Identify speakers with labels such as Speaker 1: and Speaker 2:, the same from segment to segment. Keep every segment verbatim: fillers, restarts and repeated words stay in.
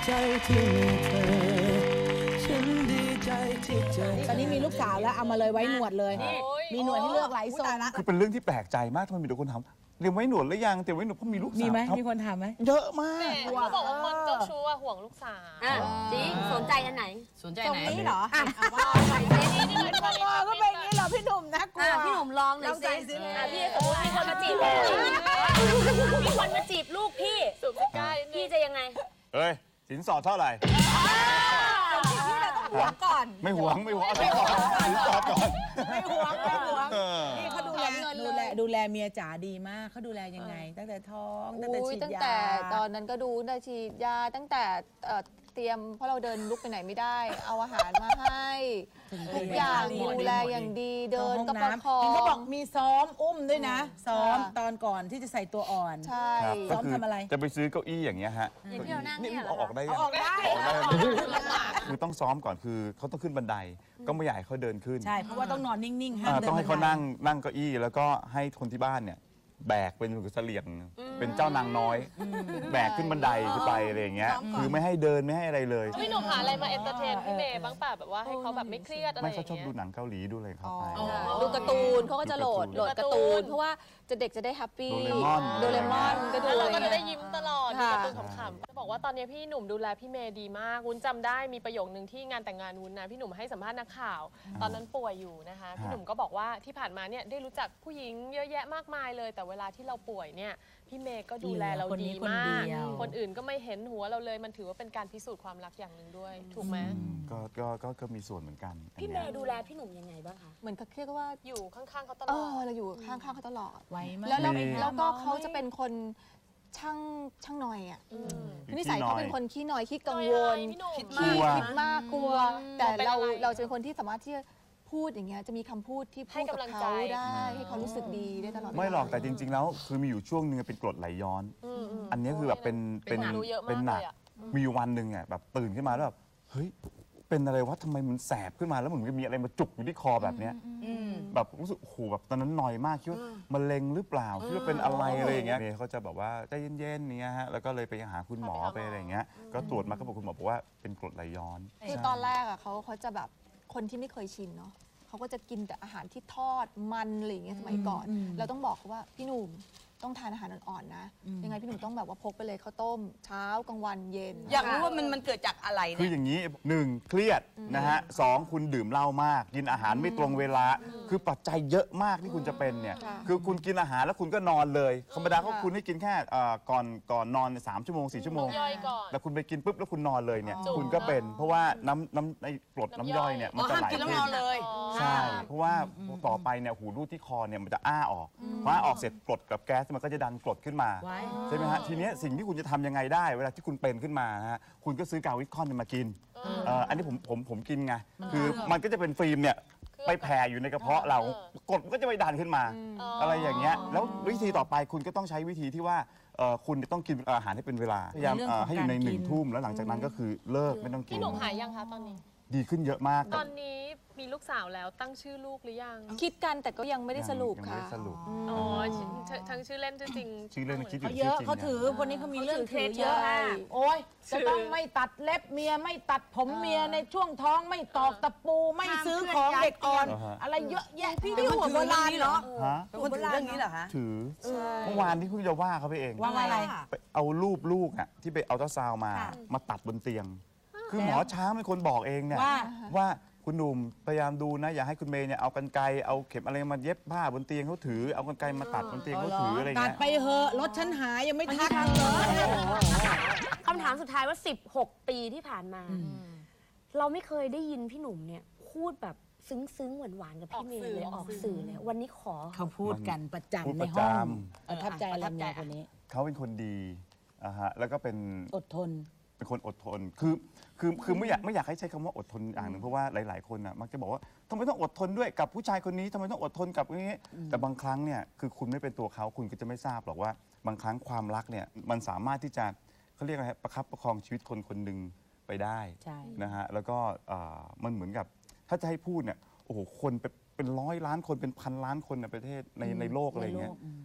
Speaker 1: ใจที่มีเธอฉันดีใจที่เจอตอนนี้มีลูกสาวแล้วเอามาเลยไว้หนวดเลยมีหนวดให้เลือกหลายทรงนะ
Speaker 2: คือเป็นเรื่องที่แปลกใจมากทำไมมีแต่คนถามเตรียมไว้หนวดหรือยังเตรียมไว้หนวดเพราะมีลูกสาว
Speaker 3: มีไหมมีคนถามไหม
Speaker 2: เยอะมาก
Speaker 4: เขาบอกว่าคนเจ้าชู้อะห่วงลูกสาว
Speaker 5: จริงสนใจอันไหน
Speaker 3: สนใจไหน
Speaker 1: ตรงนี้เหรออ่ะว่าใส่เซนี่นี่ก็เป็นอย่างนี้เหรอพี่หนุ่มนะกลัว
Speaker 5: พี่หนุ่มลองหน่อยสิพี่สมมติมีคนมาจีบมีคนมาจีบลูกพี่
Speaker 4: สูบซิก้า
Speaker 5: พี่จะยังไง
Speaker 2: เอ้ยสินสอดเท่าไหร่
Speaker 1: ที่เราต้องหวงก่อน
Speaker 2: ไม่หวงไม่หวงสินสอดสินสอดก่อน
Speaker 1: ไม่หวงไม่หวงนี่เขาดูแล
Speaker 3: ดูแลดูแลเมียจ๋าดีมากเขาดูแลยังไงตั้งแต่ท้องตั้งแต่ฉีดยา
Speaker 6: ตั้งแต่ตอนนั้นก็ดูได้ฉีดยาตั้งแต่เตรียมเพราะเราเดินลุกไปไหนไม่ได้เอาอาหารมาให้ทุกอย่างดูแลอย่างดีเดินก็ประคอง
Speaker 3: เขาบอกมีซ้อมอุ้มด้วยนะซ้อมตอนก่อนที่จะใส่ตัวอ่อน
Speaker 6: ใช่
Speaker 3: ซ้อมทำอะไร
Speaker 2: จะไปซื้อเก้าอี้อย่างเงี้ยฮะนี่เอาออกได้ยัง
Speaker 1: ออกได้
Speaker 2: คือต้องซ้อมก่อนคือเขาต้องขึ้นบันไดก็ไม่อยากให้เขาเดินขึ้น
Speaker 3: ใช่เพราะว่าต้องนอนนิ่งๆห้ามเดิน
Speaker 2: ต้องให้เขานั่งนั่งเก้าอี้แล้วก็ให้คนที่บ้านเนี่ยแบกเป็นเสลี่ยงเป็นเจ้านางน้อยแบกขึ้นบันไดขึ้นไปอะไรอย่างเงี้ยคือไม่ให้เดินไม่ให้อะไรเลย
Speaker 4: พี่หนุ่มหาอะไรมาเอนเตอร์เทนพี่เมย์บ้างป่ะแบบว่าให้เขาแบบไม่เครียดอะไรอย่างเงี้ย
Speaker 2: ไม่เขาชอบดูหนังเกาหลีดูเลยเขาไป
Speaker 6: ดูการ์ตูนเขาก็จะโหลดโหลดการ์ตูนเพราะว่าจะเด็กจะได้แฮปปี้โดเรมอนก็ดู
Speaker 4: เราก็จะได้ยิ้มตลอดดูการ์ตูนขำๆจะบอกว่าตอนนี้พี่หนุ่มดูแลพี่เมย์ดีมากวุ้นจำได้มีประโยคนึงที่งานแต่งงานวุ้นนะพี่หนุ่มให้สัมภาษณ์นักข่าวตอนนั้นป่วยอยู่นะคะพี่หนุ่มก็บอกว่าที่ผ่านมาเนี่ยได้รู้จักผู้หญิงเยอะแยะมากมายเลยแต่เวลาที่เราป่วยเนี่ยพี่เมย์ก็ดูแลเราดีมากคนอื่นก็ไม่เห็นหัวเราเลยมันถือว่าเป็นการพิสูจน์ความรักอย่างหนึ่งด้วยถูกไหม
Speaker 2: ก็ก็ก็ก็มีส่วนเหมือนกัน
Speaker 5: พี่เมย์ดูแลพี่หนุ่มยังไงบ้างคะ
Speaker 6: เหมือนเขาเรียกว่า
Speaker 4: อยู่ข้างๆเขาตล
Speaker 6: อ
Speaker 4: ด
Speaker 6: เราอยู่ข้างๆเขาตลอด
Speaker 3: ไว้มาก
Speaker 6: แล้วแล้วก็เขาจะเป็นคนช่างช่างหน่อยอ่ะนิสัยเขาเป็นคนขี้หน่อยขี้กังวล
Speaker 4: คิด
Speaker 6: มากคิดมากกลัวแต่เราเราจะเป็นคนที่สามารถที่จะพูดอย่างเงี้ยจะมีคำพูดที่พูดกับเขาได้ให้เขารู้สึกดีได้ตลอด
Speaker 2: ไม่หรอกแต่จริงๆแล้วคือมีอยู่ช่วงนึงเป็นกรดไหลย้อนอันนี้คือแบบเป็นเป็นเป็นหนักมีวันหนึ่งอ่ะแบบตื่นขึ้นมาแล้วแบบเฮ้ยเป็นอะไรวะทำไมมันแสบขึ้นมาแล้วเหมือนมีอะไรมาจุกอยู่ที่คอแบบเนี้ยแบบรู้สึกโอ้โหแบบตอนนั้นหน่อยมากคิดว่ามะเร็งหรือเปล่าคิดว่าเป็นอะไรอะไรอย่างเงี้ยเขาจะแบบว่าใจเย็นๆเนี้ยฮะแล้วก็เลยไปหาคุณหมอไปอะไรอย่างเงี้ยก็ตรวจมาก็บอกคุณหมอบอกว่าเป็นกรดไหลย้อน
Speaker 6: คือตอนแรกอ่ะเขาเขาจะแบบคนที่ไม่เคยชินเนาะเขาก็จะกินแต่อาหารที่ทอดมันอะไรอย่างเงี้ยสมัยก่อนเราต้องบอกเขาว่าพี่หนุ่มต้องทานอาหารอ่อนๆนะยังไงพี่หนุ่มต้องแบบว่าพกไปเลยข้าวต้มเช้ากลางวันเย็น
Speaker 3: อยากรู้ว่ามันมันเกิดจากอะไรเนี่ย
Speaker 2: คืออย่างนี้หนึ่งเครียดนะฮะสองคุณดื่มเหล้ามากกินอาหารไม่ตรงเวลาคือปัจจัยเยอะมากที่คุณจะเป็นเนี่ยคือคุณกินอาหารแล้วคุณก็นอนเลยธรรมดาเขาคุณให้กินแค่ก่อนก่อนนอนสามชั่วโมงสี่ชั่วโมงแต่คุณไปกินปุ๊บแล้วคุณนอนเลยเนี่ยคุณก็เป็นเพราะว่าน้ำน้ำในกรดน้ำย่อยเนี่ยมันจะไหล
Speaker 3: แล้วนอนเลย
Speaker 2: ใช่เพราะว่าต่อไปเนี่ยหูรูดที่คอเนี่ยมันจะอ้าออกพออ้าออกเสร็จกรดกับแก๊สมันก็จะดันกรดขึ้นมาใช่ไหมฮะทีนี้สิ่งที่คุณจะทำยังไงได้เวลาที่คุณเป็นขึ้นมาฮะคุณก็ซื้อกาวิคอนมากินอันนี้ผมผมผมกินไงคือมันก็จะเป็นฟิล์มเนี่ยไปแผ่อยู่ในกระเพาะเรากรดมันก็จะไปดันขึ้นมาอะไรอย่างเงี้ยแล้ววิธีต่อไปคุณก็ต้องใช้วิธีที่ว่าคุณต้องกินอาหารให้เป็นเวลาพยายามให้อยู่ในหนึ่งทุ่มแล้วหลังจากนั้นก็คือเลิกไม่ต้องกิน
Speaker 4: พี่หนุ่มหายยังคะตอนนี้
Speaker 2: ดีขึ้นเยอะมาก
Speaker 4: ตอนนี้มีลูกสาวแล้วตั้งชื่อลูกหรือยัง
Speaker 6: คิดกันแต่ก็ยังไม่ได้สรุปค่ะ
Speaker 4: อ๋อทั้งชื่อเล่นชื่อจริง
Speaker 2: ชื่อเล่นคิดอยู่
Speaker 3: เยอะเขาถือคนนี้เขามีเรื่องถือเยอะโอ้ยจะต้องไม่ตัดเล็บเมียไม่ตัดผมเมียในช่วงท้องไม่ตอกตะปูไม่ซื้อของเด็กอ่อนอะไรเยอะแยะพี่ที่หัวโบราณเหรอ
Speaker 2: เป็นคนถือเรื่องนี้เหรอคะถือเมื่อวานที่เพิ่งจะว่าเขาไปเอง
Speaker 3: ว่าอะไร
Speaker 2: ไปเอารูปลูกอ่ะที่ไปเอาเจ้าซาวมามาตัดบนเตียงคือหมอช้างเป็นคนบอกเองเนี่ยว่าคุณหนุ่มพยายามดูนะอย่าให้คุณเมย์เนี่ยเอากรรไกรเอาเข็มอะไรมาเย็บผ้าบนเตียงเขาถือเอากรรไกรมาตัดบนเตียงเขาถืออะไรเงี้ย
Speaker 3: ตัดไปเหอะรถฉันหายยังไม่ทักเลย
Speaker 5: คำถามสุดท้ายว่าสิบหกปีที่ผ่านมาเราไม่เคยได้ยินพี่หนุ่มเนี่ยพูดแบบซึ้งๆหวานๆกับพี่เมย์เลยออกสื่อเลยวันนี้ขอ
Speaker 3: เขาพูดกันประจำในห้องประทับใจอะไรเมียคนนี้
Speaker 2: เขาเป็นคนดีอ่ะฮะแล้วก็เป็น
Speaker 3: อดทน
Speaker 2: เป็นคนอดทนคือคือคือไม่อยากไม่อยากให้ใช้คำว่าอดทนอย่างหนึ่งเพราะว่าหลายๆคนอ่ะมักจะบอกว่าทำไมต้องอดทนด้วยกับผู้ชายคนนี้ทำไมต้องอดทนกับนี้แต่บางครั้งเนี่ยคือคุณไม่เป็นตัวเขาคุณก็จะไม่ทราบหรอกว่าบางครั้งความรักเนี่ยมันสามารถที่จะเขาเรียกอะไรประคับประคองชีวิตคนคนหนึ่งไปได้นะฮะแล้วก็มันเหมือนกับถ้าจะให้พูดเนี่ยโอ้โหคนเป็นร้อยล้านคนเป็นพันล้านคนในประเทศในในโลกอะไรเงี้ย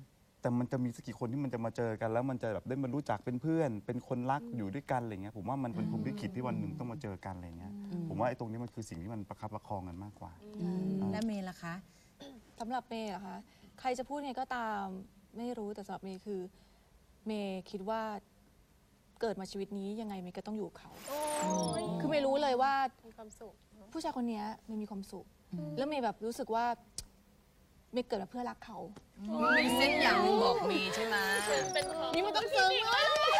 Speaker 2: แต่มันจะมีสักกี่คนที่มันจะมาเจอกัน แล้วมันจะแบบได้มารู้จักเป็นเพื่อน เป็นคนรักอยู่ด้วยกันอะไรเงี้ยผมว่ามันเป็นพรหมลิขิตที่วันหนึ่งต้องมาเจอกันอะไรเงี้ยผมว่าไอ้ตรงนี้มันคือสิ่งที่มันประคับประคองกันมากกว่า
Speaker 1: และเมย์ล่ะคะ
Speaker 6: สำหรับเมย์เหรอคะใครจะพูดไงก็ตามไม่รู้แต่สำหรับเมย์คือเมย์คิดว่าเกิดมาชีวิตนี้ยังไงเมย์ก็ต้องอยู่กับเขาคือเมย์รู้เลยว่า
Speaker 4: มีความสุข
Speaker 6: ผู้ชายคนนี้เมย์มีความสุข แล้วเมย์แบบรู้สึกว่าเมย์เกิดมาเพื่อรักเขา
Speaker 1: มีเส้นอย่างหนึ่งบอกมีใช่ไหม
Speaker 4: เป็นของ
Speaker 3: นี่มันต้องซึ้งเลย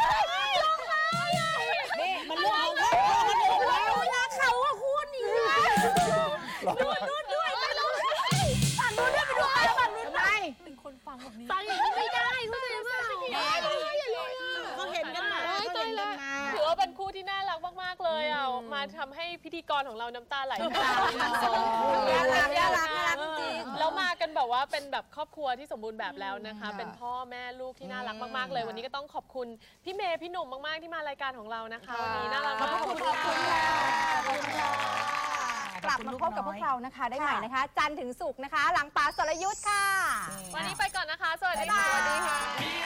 Speaker 3: นี่มันเรื่องของเขามันเรื่องของเรา
Speaker 5: เวลาเขาอะคุณนี่นะดูนู่นด้วยไปนู่นฝั่งนู้นด้วยไปดูไปฝั่งนู้น
Speaker 3: ทำไม
Speaker 5: ฟังอย่างนี้ไม่ได้เข้าใจเปล่า
Speaker 3: เขาเห็นกันมาเขาเห็นกันมา
Speaker 4: ถือว่าเป็นคู่ที่น่ารักมากๆเลยอ่ะมาทำให้พิธีกรของเราน้ำตาไหล
Speaker 3: น่ารักน่ารักน่ารักน่ารักจริง
Speaker 4: แล้วมากันแบบว่าเป็นแบบครอบครัวที่สมบูรณ์แบบแล้วนะคะ เป็นพ่อแม่ลูกที่น่ารักมากๆเลย วันนี้ก็ต้องขอบคุณพี่เมย์พี่หนุ่มมากๆที่มารายการของเรานะคะวันนี้น่ารักมาก
Speaker 3: ขอบคุณค่ะ
Speaker 7: กลับมาพบกับพวกเรานะคะ ได้ใหม่นะคะ จันทร์ถึงศุกร์นะคะ หลังป๋าสรยุทธ์ค่ะ
Speaker 4: วันนี้ไปก่อนนะคะ สวัสดีค่ะ